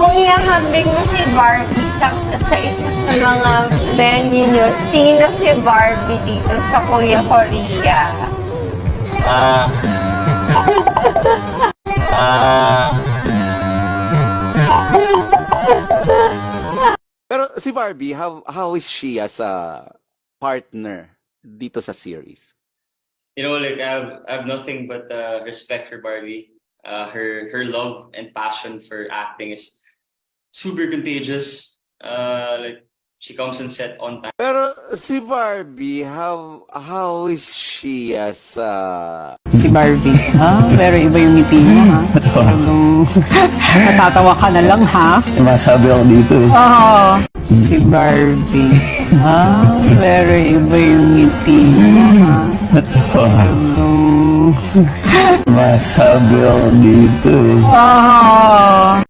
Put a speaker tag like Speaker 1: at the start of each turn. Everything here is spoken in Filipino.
Speaker 1: Kung ihahambing mo si Barbie sa isa sa mga venue nyo, sino si Barbie dito sa Kuya Korea?
Speaker 2: Pero si Barbie, how is she as a partner dito sa series?
Speaker 3: You know, like I have nothing but respect for Barbie. Her love and passion for acting is super contagious. Like she comes on set on time.
Speaker 2: Pero si Barbie, how is she as a...
Speaker 4: Si Barbie, ha? Pero iba yung ngiti mo, ha? Talagang natatawa ka na lang, ha?
Speaker 5: Masabi ako dito eh.
Speaker 4: Oo. Si Barbie, ha? Pero iba yung ngiti mo, ha? Talagang
Speaker 5: Masabi ako dito eh.
Speaker 4: Oo.